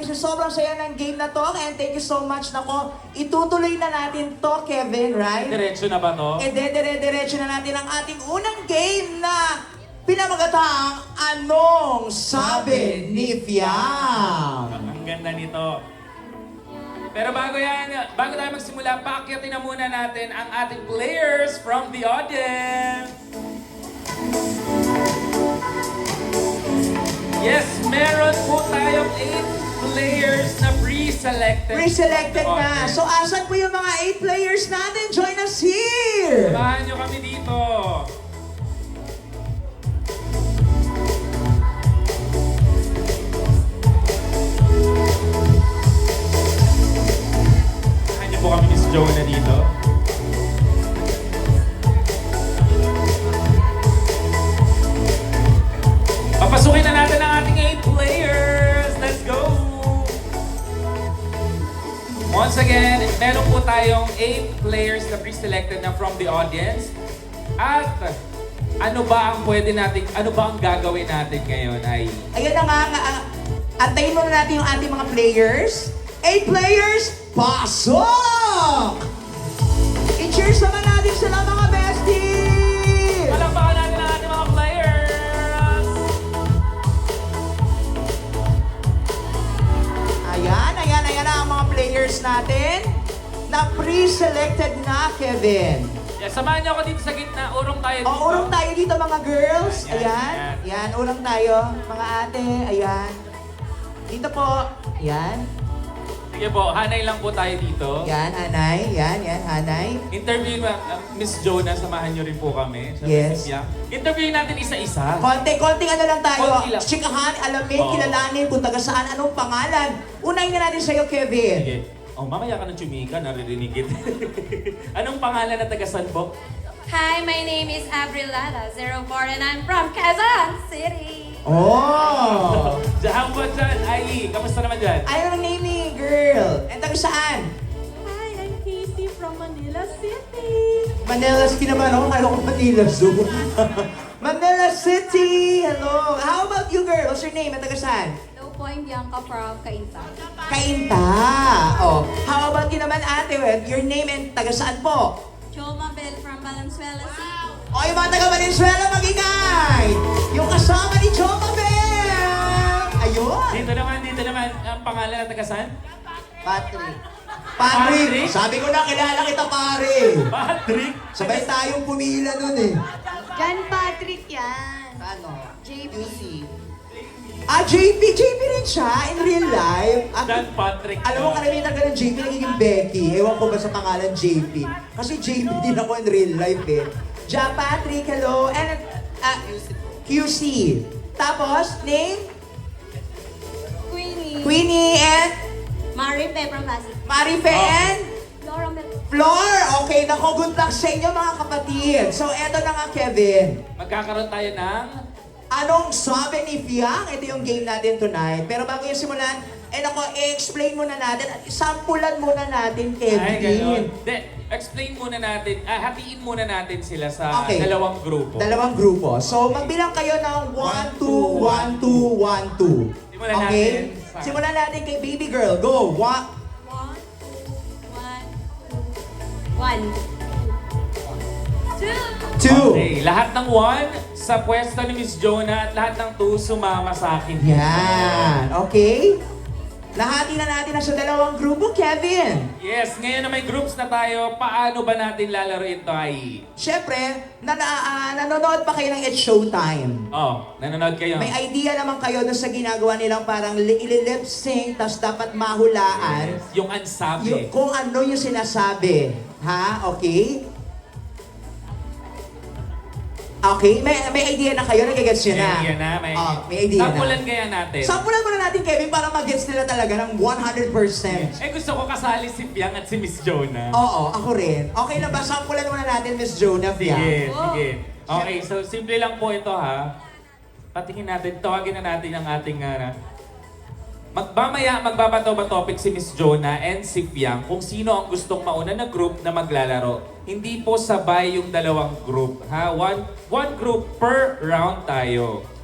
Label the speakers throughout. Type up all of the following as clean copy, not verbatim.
Speaker 1: kasi sobrang saya ng game na to. And thank you so much. Nako, itutuloy na natin to, Kevin, right?
Speaker 2: Diretso na ba to?
Speaker 1: Dire-diretso na natin ang ating unang game na pinamagatang Anong Sabi ni Fiam?
Speaker 2: Ang ganda nito. Pero bago tayo magsimula, paakyatin na muna natin ang ating players from the audience. Yes, meron po tayong 8 players na pre-selected.
Speaker 1: Pre-selected
Speaker 2: from the
Speaker 1: na.
Speaker 2: audience.
Speaker 1: So, asan po yung mga 8 players natin? Join us here!
Speaker 2: Samahan nyo kami dito. Samahan nyo po kami ni Jonah dito. Papasukin na natin ang ating 8 players. Let's go! Once again, meron po tayong 8 players na pre-selected na from the audience. At ano ba ang gagawin natin ngayon ay...
Speaker 1: Ayan na nga, antayin muna natin yung ating mga players. 8 players, pasok! I-cheers naman natin sila mga besties!
Speaker 2: Palakpakan natin ang ating mga players!
Speaker 1: Ayan na ang mga players natin na pre-selected na, Kevin.
Speaker 2: Yeah, samahan niyo ako dito sa gitna. Urong tayo dito.
Speaker 1: O, urong tayo dito mga girls.
Speaker 2: Ayan,
Speaker 1: Ayan, urong tayo. Mga ate, ayan. Dito po. Ayan.
Speaker 2: Sige po, hanay lang po tayo dito.
Speaker 1: Yan, Hanay. Yan, Hanay.
Speaker 2: Interview Miss Jonah, samahan niyo rin po kami. Sa
Speaker 1: Yes.
Speaker 2: Miss Yang. Interviewin natin isa-isa.
Speaker 1: Konting ano lang tayo.
Speaker 2: Konti lang.
Speaker 1: Chikahan, alamin,
Speaker 2: Oo.
Speaker 1: kilalanin kung taga saan, anong pangalan. Unahin na natin sa'yo, Kevin.
Speaker 2: Sige. Oh, mamaya ka ng chumika, naririnig kita. Anong pangalan na tagasan po?
Speaker 3: Hi, my name is Avril Lara, 04, and I'm from Quezon City.
Speaker 1: Oh!
Speaker 2: Diyan po dyan, Ai. Kamusta naman dyan?
Speaker 1: Ayaw ng name ni girl. And taga saan?
Speaker 3: Hi, I'm Casey from Manila City.
Speaker 1: Manila City naman ako. Kala ko Manila Zoo. Manila City! Hello! How about you, girl? What's your name? At taga saan?
Speaker 3: Hello po, I'm Bianca from Cainta.
Speaker 1: Kainta! Oh. How about you naman, ate? Your name and taga saan po?
Speaker 3: Choma Bell from Valenzuela City.
Speaker 1: O, yung mga taga Valenzuela, magingay! Yung kasama ni Choma Bell! Ayun!
Speaker 2: Dito naman, ang pangalan na tagasan?
Speaker 1: Patrick.
Speaker 2: Patrick?
Speaker 1: Sabi ko na, kilala kita, pare!
Speaker 2: Patrick!
Speaker 1: Sabay tayong pumila nun eh.
Speaker 3: John Patrick yan.
Speaker 1: Ano?
Speaker 3: JP.
Speaker 1: Ah, JP rin siya in real life. At,
Speaker 2: Dan Patrick.
Speaker 1: alam mo, karamihan talaga ng JP nagiging Becky. Ewan ko ba sa pangalan JP. Kasi JP din ako in real life eh. Ja Patrick, hello. And QC. Tapos, name?
Speaker 3: Queenie.
Speaker 1: Queenie and
Speaker 3: Marife from Pasig.
Speaker 1: Marife and
Speaker 3: Laura Mel.
Speaker 1: Flor. Okay, nako, good luck sa inyo mga kapatid. So, eto na nga, Kevin.
Speaker 2: Magkakaroon tayo ng...
Speaker 1: Anong sabi ni Fiang? Ito yung game natin tonight. Pero bago yung simulan, i-explain muna natin at sampulan muna natin,
Speaker 2: Ay, ganun.
Speaker 1: Kevin.
Speaker 2: Explain muna natin, hatiin muna natin sila sa
Speaker 1: Okay.
Speaker 2: dalawang grupo.
Speaker 1: Dalawang grupo. So, magbilang kayo ng 1, 2, 1, 2, 1, 2.
Speaker 2: Simulan
Speaker 1: Okay?
Speaker 2: natin sa-
Speaker 1: Simulan natin kay baby girl. Go! 1.
Speaker 3: 1, 2,
Speaker 1: 2.
Speaker 2: Okay, lahat ng 1 sa pwesto ni Miss Jonah at lahat ng 2 sumama sa akin.
Speaker 1: Yan. Okay? Lahati na natin na sa dalawang grupo, Kevin.
Speaker 2: Yes, ngayon na may groups na tayo, paano ba natin lalaro ito ay...
Speaker 1: Siyempre, nanonood pa kayo ng It's Showtime.
Speaker 2: Oh, nanonood kayo.
Speaker 1: May idea naman kayo dun sa ginagawa nilang parang ililip sync, tapos dapat mahulaan
Speaker 2: Yung ansabi.
Speaker 1: kung ano yung sinasabi. Ha? Okay? Okay? May idea na kayo? Nagigets nyo na?
Speaker 2: May idea na,
Speaker 1: May idea na.
Speaker 2: Sampulan kaya natin.
Speaker 1: Sampulan muna natin, Kevin, para mag-gets nila talaga ng 100%.
Speaker 2: Gusto ko kasali si Piang at si Miss Jonah.
Speaker 1: Oo, ako rin. Okay na ba? Sampulan muna natin, Miss Jonah.
Speaker 2: Sige,
Speaker 1: Yeah.
Speaker 2: sige. Okay, so simple lang po ito ha. Patingin natin, tawagin na natin ang ating Mamaya magbabato ba topic si Miss Jonah and si Piang kung sino ang gustong mauna na group na maglalaro. Hindi po sabay yung dalawang group, ha? One group per round tayo.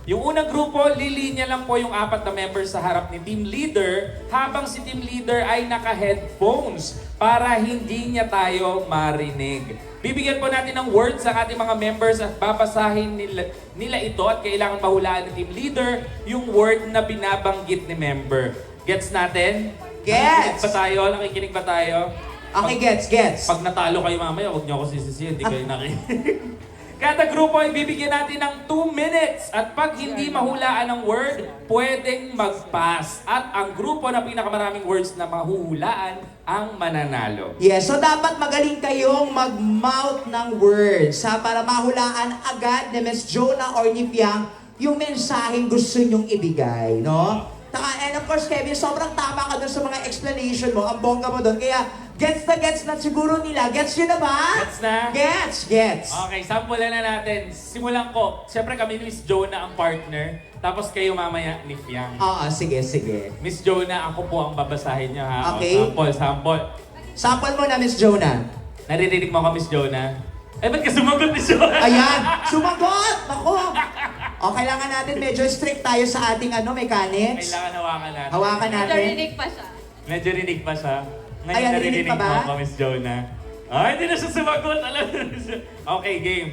Speaker 2: Yung unang grupo, lilinya lang po yung 4 na members sa harap ni team leader habang si team leader ay naka-headphones para hindi niya tayo marinig. Bibigyan po natin ng words ang ating mga members at babasahin nila ito at kailangan mahulaan ni team leader yung word na binabanggit ni member. Gets natin?
Speaker 1: Gets!
Speaker 2: Nakikinig ba tayo? Nakikinig ba tayo?
Speaker 1: Okay, gets.
Speaker 2: Pag natalo kayo mamaya, huwag niyo ako sisisihin, hindi kayo nakikinig. Kada grupo ay bibigyan natin ng 2 minutes at pag hindi mahulaan ng word, pwedeng mag-pass. At ang grupo na pinakamaraming words na mahuhulaan ang mananalo.
Speaker 1: Yes, so dapat magaling kayong mag-mouth ng words para mahulaan agad ni Miss Jonah or ni Piang yung mensaheng gusto nyong ibigay, no? And of course, Kevin, sobrang tama ka dun sa mga explanation mo. Ang bongga mo dun. Kaya, gets na siguro nila. Gets yun na ba?
Speaker 2: Gets na?
Speaker 1: Gets.
Speaker 2: Okay, sampulan na natin. Simulan ko. Siyempre kami ni Miss Jonah ang partner. Tapos kayo mamaya ni Piang.
Speaker 1: Oo, sige.
Speaker 2: Miss Jonah, ako po ang babasahin niyo ha.
Speaker 1: Okay.
Speaker 2: O, sample.
Speaker 1: Sample mo na, Miss Jonah.
Speaker 2: Naririnig mo ako, Miss Jonah? Eh, ba't ka sumagot, Miss Jonah?
Speaker 1: Ayan, sumagot! Ako! O, kailangan natin medyo strict tayo sa ating mechanics.
Speaker 2: Kailangan hawakan natin.
Speaker 1: Hawakan natin.
Speaker 3: Narinig pa siya.
Speaker 2: Medyo rinig pa siya. Ngayon
Speaker 1: Ay,
Speaker 2: naririnig
Speaker 1: narinig pa ba?
Speaker 2: mo ako, Miss Jonah. Ay, hindi na siya sumagot. Alam mo na siya. Okay, game.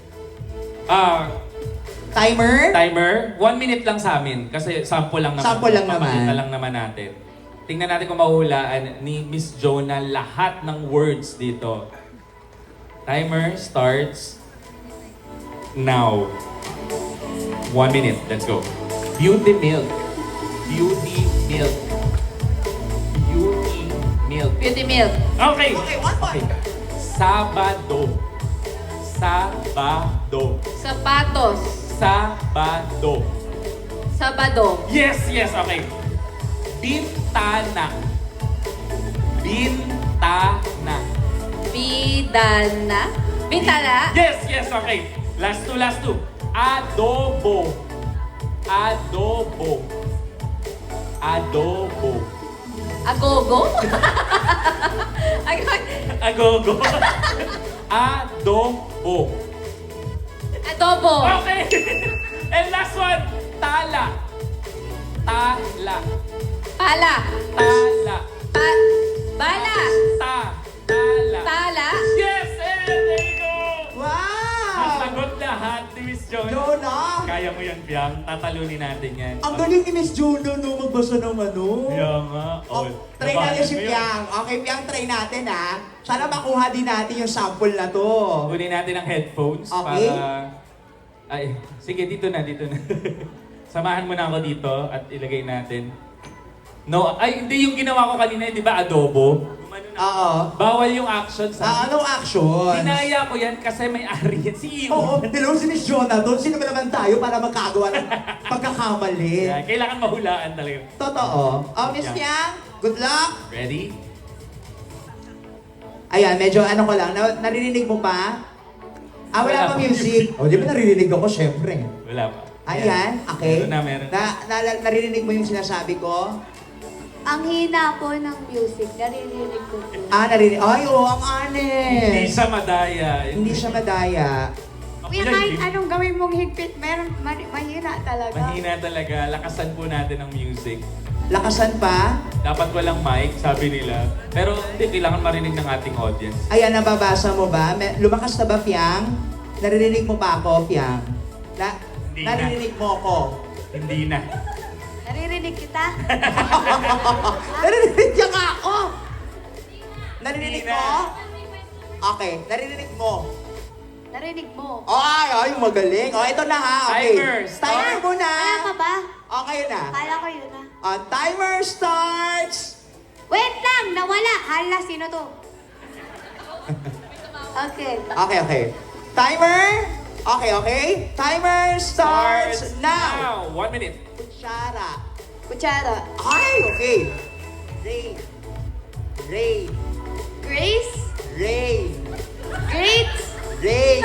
Speaker 1: Timer?
Speaker 2: Timer, 1 minute lang sa amin. Kasi sample lang naman.
Speaker 1: Sample lang naman.
Speaker 2: Papakita lang naman natin. Tingnan natin kung mahuhulaan ni Miss Jonah lahat ng words dito. Timer starts now. 1 minute. Let's go. Beauty milk. Beauty milk. Beauty milk.
Speaker 3: Beauty milk.
Speaker 2: Okay.
Speaker 1: Okay, one point.
Speaker 2: Sabado. Sabado.
Speaker 3: Sapatos.
Speaker 2: Sabado.
Speaker 3: Sabado.
Speaker 2: Yes, okay. Bintana. Bintana.
Speaker 3: Bidana. Bintala.
Speaker 2: Yes, okay. Last two. Adobo. Adobo. Adobo.
Speaker 3: Agogo.
Speaker 2: Agogo. Adobo.
Speaker 3: Adobo.
Speaker 2: Okay. And last one. Tala. Tala.
Speaker 3: Pala.
Speaker 2: Tala.
Speaker 3: Bala.
Speaker 2: Tala.
Speaker 3: Tala.
Speaker 2: Yes! There you go!
Speaker 1: Wow!
Speaker 2: Nasagot lahat ni Miss Jonah.
Speaker 1: Jonah!
Speaker 2: Kaya mo yan, Piang. Tatalunin natin yan.
Speaker 1: Ang galing ni Miss Jonah no, magbasa ng ano.
Speaker 2: Kaya nga.
Speaker 1: Oh, try natin si Piang. Okay, Piang, try natin ha. Sana makuha din natin yung sample na to.
Speaker 2: Kunin natin ang headphones
Speaker 1: Okay.
Speaker 2: para... Ay, sige, dito na. Samahan mo na ako dito at ilagay natin. No, ay, hindi yung ginawa ko kanina, di ba, adobo? Gumano na.
Speaker 1: Oo.
Speaker 2: Bawal yung action sa...
Speaker 1: Anong action?
Speaker 2: Dinaya ko yan kasi may ari yan. Si Iyo.
Speaker 1: Oo, hello si Miss Jonah doon. Sino ba naman tayo para magkagawa ng pagkakamali?
Speaker 2: Yan, kailangan mahulaan talaga.
Speaker 1: Totoo. Oh, Miss
Speaker 2: Yeah.
Speaker 1: Piang, good luck.
Speaker 2: Ready?
Speaker 1: Ayan, medyo ano ko lang. Naririnig mo pa? Ah, wala
Speaker 2: Wala
Speaker 1: pa
Speaker 2: pa
Speaker 1: music. O, di ba naririnig ako, syempre.
Speaker 2: Wala pa.
Speaker 1: Ayan, okay.
Speaker 2: Meron na.
Speaker 1: Naririnig mo yung sinasabi ko?
Speaker 4: Ang hina po ng music, naririnig ko po.
Speaker 1: Ah, naririnig. Ay, oo, ang
Speaker 2: Hindi
Speaker 1: honest.
Speaker 2: siya madaya.
Speaker 1: Hindi siya madaya.
Speaker 4: Kuya, kahit anong gawin mong higpit, meron mahina talaga.
Speaker 2: Mahina talaga. Lakasan po natin ang music.
Speaker 1: Lakasan pa.
Speaker 2: Dapat walang mic, sabi nila. Pero hindi, kailangan marinig ng ating audience.
Speaker 1: Ayan, nababasa mo ba? Lumakas na ba, Piang? Naririnig mo pa ako, Piang?
Speaker 2: Hindi na.
Speaker 1: Naririnig mo ako.
Speaker 2: Hindi na.
Speaker 4: Naririnig kita?
Speaker 1: Naririnig niya nga ako! Naririnig
Speaker 2: Hindi
Speaker 1: mo?
Speaker 2: na.
Speaker 1: Okay, naririnig mo.
Speaker 4: Narinig mo.
Speaker 1: Ay, magaling. O, ito na ha. Okay.
Speaker 2: Timer, start.
Speaker 1: Timer muna.
Speaker 4: Kaya ka ba?
Speaker 1: Okay na.
Speaker 4: Kala ko yun na.
Speaker 1: Timer starts.
Speaker 4: Wait lang! Nawala! Hala, sino to? Okay.
Speaker 1: Okay. Timer. Okay. Timer starts now.
Speaker 2: 1 minute.
Speaker 1: Kutsara.
Speaker 4: Kutsara.
Speaker 1: Ay, okay. Rain. Rain.
Speaker 4: Grace?
Speaker 1: Rain.
Speaker 4: Great?
Speaker 1: Rain.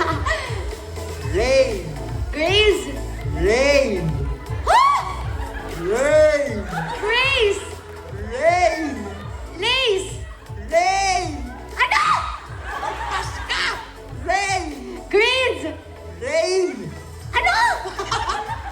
Speaker 1: Rain.
Speaker 4: Grace?
Speaker 1: Rain. Rain.
Speaker 4: Grace?
Speaker 1: Rain.
Speaker 4: Lace?
Speaker 1: Rain.
Speaker 4: Ano?
Speaker 1: Pas ka. Rain.
Speaker 4: Grades?
Speaker 1: Rain.
Speaker 4: Ano?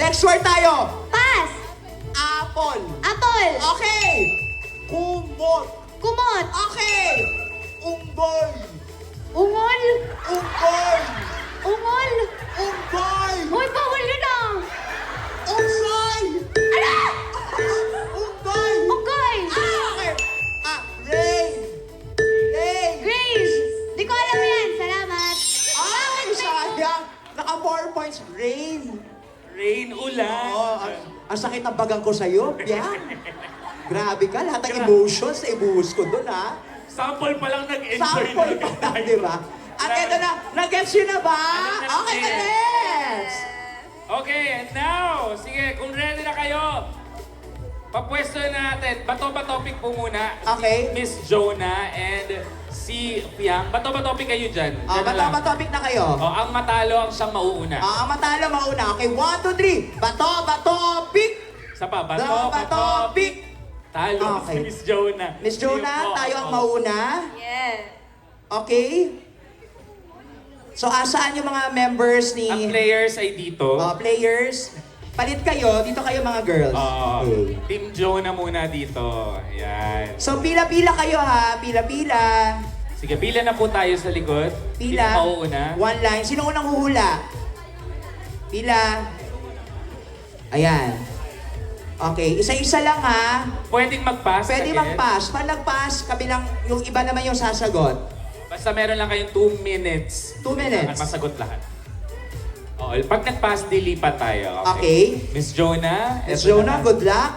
Speaker 1: Next word tayo.
Speaker 4: Pass.
Speaker 1: Apple.
Speaker 4: Apple.
Speaker 1: Okay. Kumot.
Speaker 4: Kumot.
Speaker 1: Okay. Unggoy.
Speaker 4: Ungol.
Speaker 1: Unggoy.
Speaker 4: Ungol.
Speaker 1: Unggoy.
Speaker 4: Hoy, bawal yun ah.
Speaker 1: Ungsoy.
Speaker 4: Ano?
Speaker 1: Unggoy.
Speaker 4: Unggoy.
Speaker 1: Okay. Rain. Rain.
Speaker 4: Grace. Di ko alam yan. Salamat.
Speaker 1: Ay, sayang. Naka 4 points. Rain.
Speaker 2: Rain, ulan.
Speaker 1: Oh, ang sakit ng bagang ko sa'yo, Piang. Grabe ka, lahat ng emotions na ibuhos ko doon, ha?
Speaker 2: Sample pa lang nag-enjoy
Speaker 1: Sample pa lang, di ba? At eto na, nag-gets yun na ba? Okay, next!
Speaker 2: Okay, and now, sige, kung ready na kayo, papwesto na natin. Bato ba topic po muna?
Speaker 1: Okay.
Speaker 2: Si Miss Jonah and si Piang. Bato ba topic kayo dyan? Dyan na lang.
Speaker 1: Bato-topic na kayo.
Speaker 2: Ang matalo ang siyang mauuna.
Speaker 1: Ang matalo mauna. Okay, 1, 2, 3. Bato-pick!
Speaker 2: Sa pa, bato,
Speaker 1: Bato-pick!
Speaker 2: Talo
Speaker 1: Okay.
Speaker 2: si Miss Jonah.
Speaker 1: Miss Jonah,
Speaker 2: Sige po,
Speaker 1: tayo ang
Speaker 2: oo.
Speaker 1: mauna.
Speaker 3: Yes.
Speaker 1: Okay? So, asaan yung mga members ni...
Speaker 2: Ang players ay dito.
Speaker 1: players? Palit kayo, dito kayo mga girls. Okay.
Speaker 2: Team Jonah muna dito. Ayan.
Speaker 1: So, pila-pila kayo ha. Pila-pila.
Speaker 2: Sige, pila na po tayo sa likod.
Speaker 1: Pila.
Speaker 2: Sino mauuna?
Speaker 1: One line. Sino unang huhula? Pila. Ayan. Okay, isa-isa lang ha.
Speaker 2: Pwedeng mag-pass.
Speaker 1: Pwede
Speaker 2: again.
Speaker 1: mag-pass. Pag nag-pass, kabilang yung iba naman yung sasagot.
Speaker 2: Basta meron lang kayong 2 minutes.
Speaker 1: 2 minutes.
Speaker 2: At masagot lahat. Oo, pag nag-pass, dilipat tayo.
Speaker 1: Okay.
Speaker 2: Miss Jonah.
Speaker 1: Miss
Speaker 2: eto
Speaker 1: Jonah,
Speaker 2: na.
Speaker 1: good luck.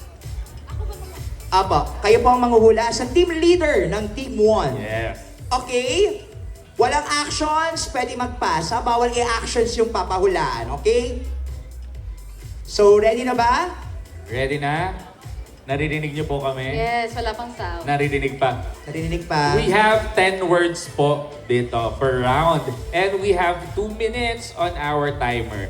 Speaker 1: Aba, kayo po ang manghuhula sa team leader ng Team 1.
Speaker 2: Yes.
Speaker 1: Okay? Walang actions, pwede mag-pass ha? Bawal i-actions yung papahulaan, okay? So, ready na ba?
Speaker 2: Ready na? Naririnig niyo po kami?
Speaker 3: Yes, wala pang sound.
Speaker 2: Naririnig pa.
Speaker 1: Narinig pa?
Speaker 2: We have 10 words po dito per round. And we have 2 minutes on our timer.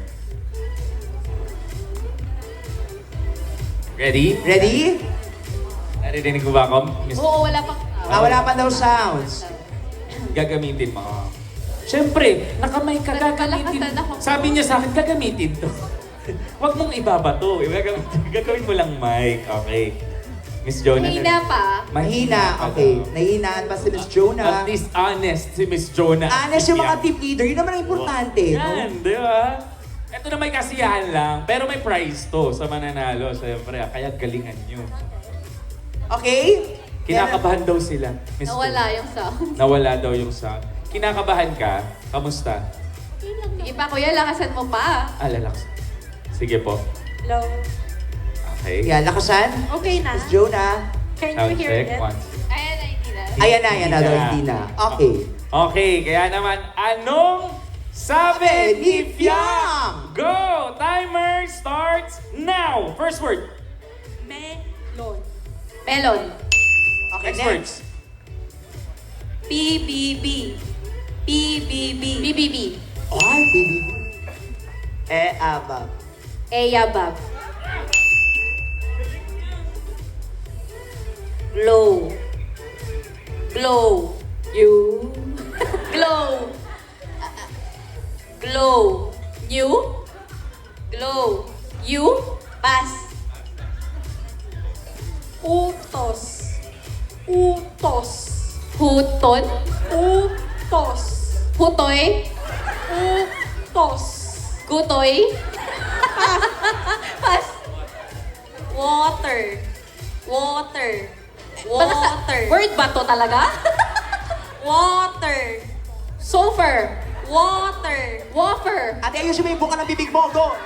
Speaker 2: Ready?
Speaker 1: Ready?
Speaker 2: Naririnig mo ba ako? Miss?
Speaker 3: Oo, wala pang sound.
Speaker 1: Wala pa daw sounds.
Speaker 2: Gagamitin mo. Siyempre, nakamay ka, gagamitin.
Speaker 3: Malakasan ako.
Speaker 2: Sabi niya sa akin, gagamitin to. Huwag mong ibabato. Gagawin mo lang mic. Okay. Miss Jonah.
Speaker 3: Hina pa.
Speaker 1: Mahina, okay. Nahihinaan pa si Miss Jonah.
Speaker 2: At least honest si Miss Jonah.
Speaker 1: Honest yung mga team leader, yun naman ang importante.
Speaker 2: Yan, di ba? Ito na may kasiyahan lang, pero may prize to sa mananalo. Siyempre, kaya galingan nyo.
Speaker 1: Okay?
Speaker 2: Kinakabahan daw sila. Miss
Speaker 3: Nawala
Speaker 2: Jonah.
Speaker 3: yung sound.
Speaker 2: Nawala daw yung sound. Kinakabahan ka? Kamusta?
Speaker 3: Sige pa, kuya, lakasan mo pa.
Speaker 2: Alalakas. Sige po.
Speaker 3: Hello.
Speaker 2: Okay.
Speaker 1: Yan, lakasan.
Speaker 3: Okay na.
Speaker 1: Miss Jonah.
Speaker 3: Can
Speaker 2: Sound check. 1, 2.
Speaker 3: Ayan na, hindi na.
Speaker 1: Ayan na, yan na daw, hindi na. Okay.
Speaker 2: Okay, kaya naman, anong sabi ni Fiang? Go! Timer starts now! First word.
Speaker 3: Melon. Melon.
Speaker 1: Okay,
Speaker 2: Next
Speaker 1: next.
Speaker 2: words.
Speaker 3: PBB. PBB. PBB.
Speaker 1: Ay, baby. Aba.
Speaker 3: Eyabab. Glow. Glow. You. Glow. Glow. You. Glow. You. Pass.
Speaker 5: Utos. Utos.
Speaker 3: Huton.
Speaker 5: Utos.
Speaker 3: Hutoy.
Speaker 5: Utos.
Speaker 3: Gutoy. Pass.
Speaker 5: Water. Water.
Speaker 3: Water. Word ba to talaga?
Speaker 5: Water.
Speaker 3: Sofer.
Speaker 5: Water.
Speaker 3: Wafer.
Speaker 1: Ate, ayusin mo yung buka ng bibig mo. Go!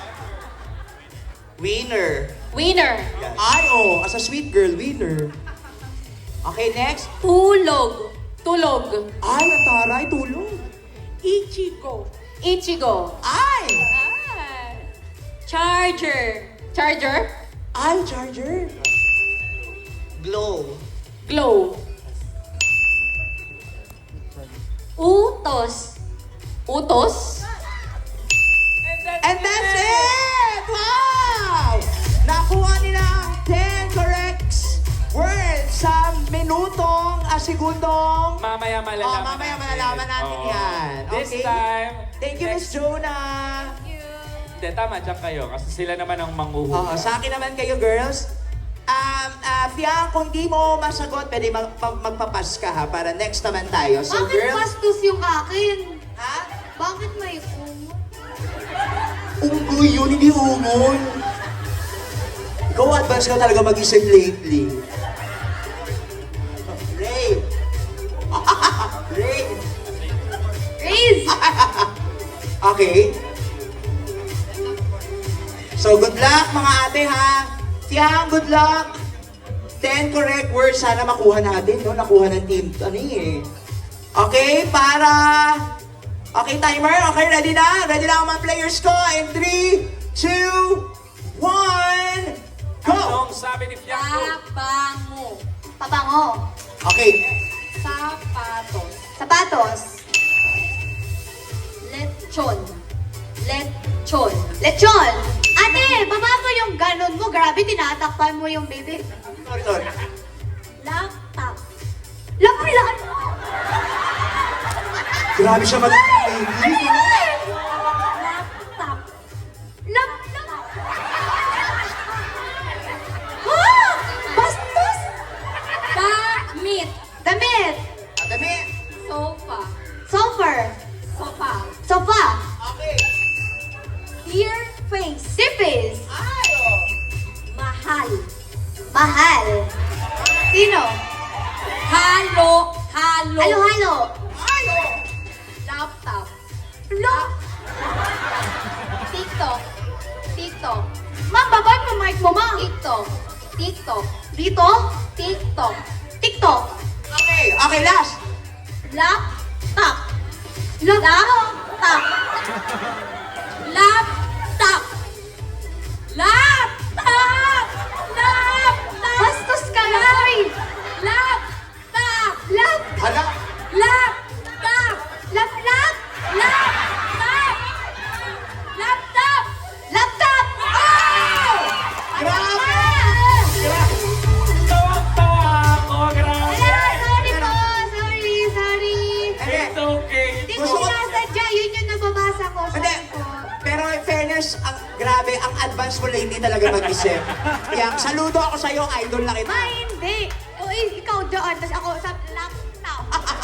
Speaker 1: Winner.
Speaker 3: Winner.
Speaker 1: Ay, oh, as a sweet girl, winner. Okay, next.
Speaker 3: Tulog. Tulog.
Speaker 1: Ay, ang taray, tulong.
Speaker 5: Ichigo.
Speaker 3: Ichigo.
Speaker 1: Ay!
Speaker 5: Charger.
Speaker 3: Charger.
Speaker 1: Ay, charger. Glow.
Speaker 3: Glow.
Speaker 5: Utos.
Speaker 3: Utos.
Speaker 1: And that's it! Wow! Nakuha nila ang 10 correct words sa minutong, segundong.
Speaker 2: Mamaya malalaman
Speaker 1: Mamaya malalaman natin
Speaker 2: Oo.
Speaker 1: yan.
Speaker 2: This
Speaker 1: Okay.
Speaker 2: time,
Speaker 1: Thank you, Miss Jonah.
Speaker 3: Thank you.
Speaker 2: Hindi, tama, dyan kayo. Kasi sila naman ang
Speaker 1: Oo,
Speaker 2: manghuhula.
Speaker 1: sa akin naman kayo, girls. Fiang, kung di mo masagot, pwede magpapas ka ha, para next naman tayo. So,
Speaker 4: Bakit
Speaker 1: girls,
Speaker 4: bastos yung akin?
Speaker 1: ha?
Speaker 4: Bakit may ungot?
Speaker 1: Unggoy yun, hindi ungol. Ikaw, advance ka talaga mag-isip lately. Ray! Ray!
Speaker 4: Riz!
Speaker 1: Okay. So, good luck mga ate ha. Fiang, good luck. 10 correct words sana makuha natin, no? Nakuha ng team, Okay, para... Okay, timer. Okay, ready na? Ready na ang mga players ko. In 3, 2, 1, go!
Speaker 2: Anong sabi ni Fianco?
Speaker 5: Pabango.
Speaker 4: Pabango.
Speaker 1: Okay.
Speaker 5: Sapatos.
Speaker 4: Sapatos.
Speaker 5: Lechon. Lechon.
Speaker 4: Lechon. Ate, baba mo yung ganon mo. Grabe, tinatakpan mo yung baby.
Speaker 1: Sorry.
Speaker 5: Laptop.
Speaker 4: Lapilan mo!
Speaker 1: Grabe siya mag-baby.
Speaker 5: Laptop.
Speaker 4: Laptop! Ha? Bastos!
Speaker 5: Damit.
Speaker 4: Damit.
Speaker 1: Dami.
Speaker 5: Sofa.
Speaker 4: Sofa.
Speaker 5: Sofa.
Speaker 4: Sofa.
Speaker 1: Okay.
Speaker 5: Dear face.
Speaker 4: Sipis.
Speaker 1: Ay, oh.
Speaker 5: Mahal.
Speaker 4: Mahal. Sino?
Speaker 5: Halo. Halo.
Speaker 4: Halo-halo.
Speaker 1: Ay, oh.
Speaker 5: Laptop.
Speaker 4: Lo.
Speaker 5: TikTok. TikTok.
Speaker 4: Ma'am, babay mo mic mo, ma'am.
Speaker 5: TikTok. TikTok.
Speaker 4: Dito?
Speaker 5: TikTok.
Speaker 4: TikTok.
Speaker 1: Okay, okay, last.
Speaker 5: Laptop.
Speaker 4: Laptop.
Speaker 5: Laptop. Laptop. Laptop.
Speaker 4: Bastos ka na, oy.
Speaker 5: Laptop.
Speaker 4: Lap.
Speaker 1: Hala.
Speaker 5: Laptop.
Speaker 4: Lap.
Speaker 5: Laptop. Laptop.
Speaker 4: Laptop.
Speaker 1: Grabe!
Speaker 2: Tawa-tawa ako, grabe!
Speaker 4: Ala, sorry po. Sorry.
Speaker 1: Hindi.
Speaker 2: It's okay.
Speaker 4: Hindi
Speaker 1: Gusto
Speaker 4: ko
Speaker 1: ko-
Speaker 4: sinasadya. Yun yung nababasa ko.
Speaker 1: Hindi.
Speaker 4: Sorry po.
Speaker 1: Pero in fairness, grabe, ang advance mo lately talaga mag-isip. Kaya saludo ako sa'yo, idol na kita.
Speaker 4: Ma, hindi. O, ikaw doon. Tapos ako sa laptop.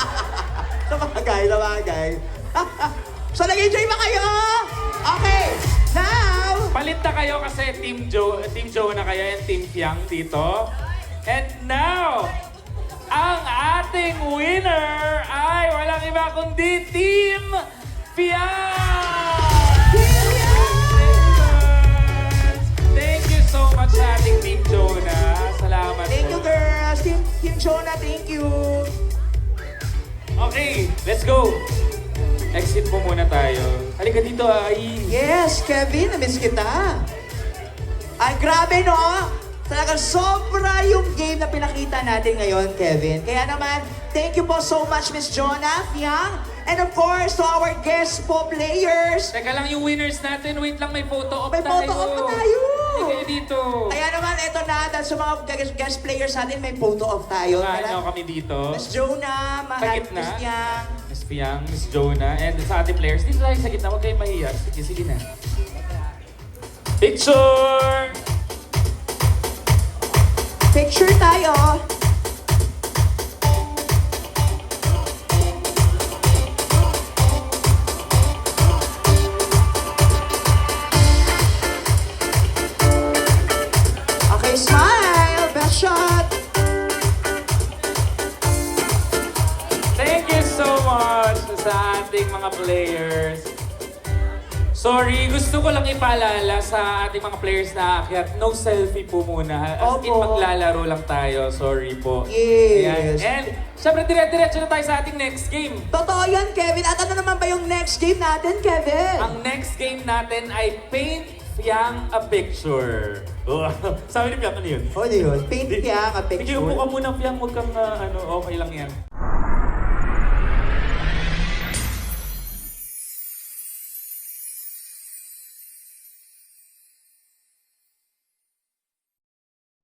Speaker 1: Sabagay. So, nag-enjoy ba kayo? Okay, now,
Speaker 2: Palit na kayo kasi Team Joe na kayo and Team Fiang dito. And now, ang ating winner ay walang iba kundi Team Fiang! Thank you so much sa ating Team Jonah. Salamat
Speaker 1: thank you
Speaker 2: po.
Speaker 1: girls. Team Jonah, thank you.
Speaker 2: Okay, let's go. Exit po muna tayo. Halika dito, ay.
Speaker 1: Yes, Kevin, na-miss kita. Ay, grabe no? Talagang sobra yung game na pinakita natin ngayon, Kevin. Kaya naman, thank you po so much, Miss Jonah, Fiang, and of course, to our guest po players.
Speaker 2: Teka lang yung winners natin. Wait lang, may photo op
Speaker 1: May
Speaker 2: tayo.
Speaker 1: photo op pa tayo.
Speaker 2: Halika kayo dito.
Speaker 1: Kaya naman, eto na, dahil sa mga guest players natin, may photo off tayo.
Speaker 2: Ano
Speaker 1: Tara.
Speaker 2: kami dito?
Speaker 1: Miss Jonah,
Speaker 2: Sa
Speaker 1: mahal,
Speaker 2: gitna.
Speaker 1: Miss Fiang.
Speaker 2: Miss Fiang, Miss Jonah, and sa ating players. Dito tayo sa gitna. Huwag kayong mahiya. Sige na. Picture!
Speaker 1: Picture tayo. Okay, smile. Best shot.
Speaker 2: Thank you so much sa ating mga players. Sorry, gusto ko lang ipaalala sa ating mga players na aakyat, no selfie po muna. As in,
Speaker 1: Opo.
Speaker 2: maglalaro lang tayo. Sorry po.
Speaker 1: Yes.
Speaker 2: Ayan. And, syempre, dire-diretso na tayo sa ating next game.
Speaker 1: Totoo yan, Kevin. At ano naman ba yung next game natin, Kevin?
Speaker 2: Ang next game natin ay Paint Fiang a Picture. Oh, sabi ni Fiang, ano yun?
Speaker 1: Ano yun? Paint Fiang a
Speaker 2: Sige,
Speaker 1: picture.
Speaker 2: upo ka muna, Fiang. Huwag kang, okay lang yan.